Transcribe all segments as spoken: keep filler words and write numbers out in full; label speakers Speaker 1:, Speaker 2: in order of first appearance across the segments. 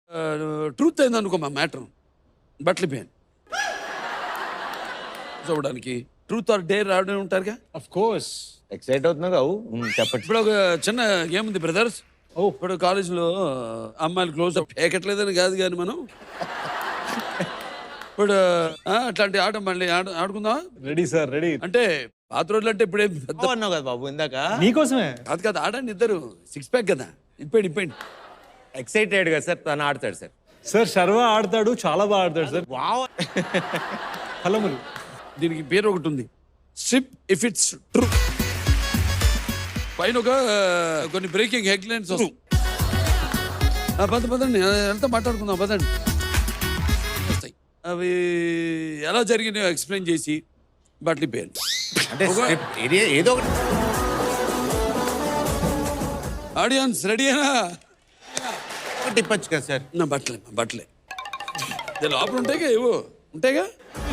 Speaker 1: Truth అయింది అనుకో మా మ్యాటర్ బట్టలిపోయాను చూడడానికి ట్రూత్ ఆర్ డేర్ రావడం ఉంటారుగా.
Speaker 2: ఆఫ్ కోర్స్
Speaker 3: ఎక్సైట్ అవుతున్నావు కావు చెప్పండి.
Speaker 1: ఇప్పుడు ఒక చిన్న గేమ్ ఉంది బ్రదర్స్. ఓ ఇప్పుడు కాలేజీలో అమ్మాయిలు క్లోజ్ అప్ ఏకట్లేదని కాదు కానీ మనం ఇప్పుడు ఆ, అట్లాంటి ఆట మళ్ళీ ఆడ- ఆడుకుందామా?
Speaker 2: Ready sir ready.
Speaker 1: అంటే పాత రోజులు అంటే ఇప్పుడే పెద్ద
Speaker 3: అన్నావు కదా బాబు ఇందాక.
Speaker 2: నీకోసమే.
Speaker 1: కాదు కాదు ఆడండి ఇద్దరు సిక్స్ ప్యాక్ కదా ఇప్పండి ఇప్పండి.
Speaker 3: ఎక్సైటెడ్ గా సార్ తను ఆడతాడు సార్.
Speaker 2: సార్ శర్వ ఆడతాడు, చాలా బాగా ఆడతాడు సార్.
Speaker 3: వావ్.
Speaker 2: హలములు.
Speaker 1: దీనికి పేరు ఒకటి ఉంది, సిప్ ఇఫ్ ఇట్స్ ట్రూ. పైన ఒక ఆ, కొన్ని బ్రేకింగ్ హెడ్లైన్స్ వస్తాయి. ఆ, పద పదండి ఎంత మాట్లాడుకుందాం పదండి. వస్తాయి అవి ఎలా జరిగినాయో ఎక్స్ప్లెయిన్ చేసి బట్టలు పేరు
Speaker 3: అంటే script ఏది- ఏదో ఒకటి.
Speaker 1: ఆడియన్స్ రెడీనా?
Speaker 3: ఒకటి ఇప్పచ్చు కదా సార్.
Speaker 1: నా బట్టలే మా బట్టలే ఇది లోపల ఉంటాయిగా ఏవో ఉంటాయిగా.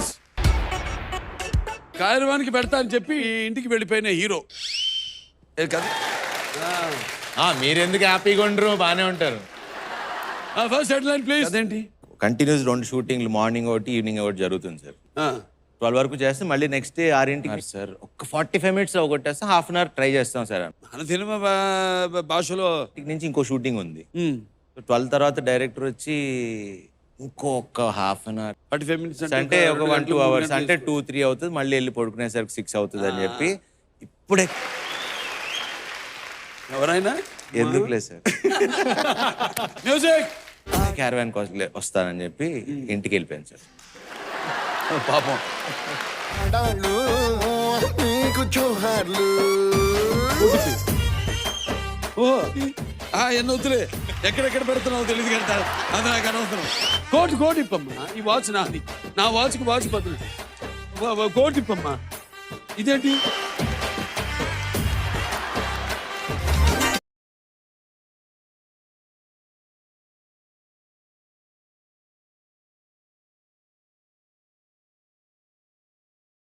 Speaker 1: కార్యవానికి పెడతా అని చెప్పి ఇంటికి వెళ్ళిపోయిన హీరో ఏ కదా.
Speaker 3: ఆ, మీరెందుకు హ్యాపీగా ఉండరు, బాగానే ఉంటారు.
Speaker 1: First headline please. అదేంటి
Speaker 3: కంటిన్యూస్ రెండు షూటింగ్లు, మార్నింగ్ ఒకటి ఈవినింగ్ ఒకటి జరుగుతుంది సార్. ట్వెల్వ్ వరకు చేస్తే మళ్ళీ నెక్స్ట్ డే ఆరింటికి సార్ ఒక ఫార్టీ ఫైవ్ మినిట్స్ ఒకటేస్తే హాఫ్ అన్ అవర్ ట్రై చేస్తాం సార్.
Speaker 1: మన సినిమా భా- భాషలో
Speaker 3: ఇంటికి నుంచి ఇంకో షూటింగ్ ఉంది.
Speaker 1: ఉమ్,
Speaker 3: ట్వెల్వ్ తర్వాత డైరెక్టర్ వచ్చి ఇంకో ఒక half an hour
Speaker 1: forty five minutes
Speaker 3: అంటే ఒక వన్ టూ అవర్స్ అంటే టూ త్రీ అవుతుంది, మళ్ళీ వెళ్ళి పడుకునేసరికి సిక్స్ అవుతుంది అని చెప్పి ఇప్పుడే
Speaker 1: ఎవరైనా
Speaker 3: ఎందుకులే సార్
Speaker 1: మ్యూజిక్
Speaker 3: క్యారవాన్ కోసం వస్తానని చెప్పి ఇంటికి వెళ్ళిపోయాను సార్.
Speaker 1: పాపం.
Speaker 4: ఆడాళ్ళు నీకు జోహార్లు.
Speaker 1: ఓ ఆ ఎన్ని వద్దులే ఎక్కడెక్కడ పెడుతున్నావు తెలియదు కడతారు అది నాకు అనవసరం. కోటి కోటి ఇప్పమ్మా, ఈ వాచ్ నాది, నా వాచ్కి వాచ్ బదులు కోటి ఇప్పమ్మా. ఇదేంటి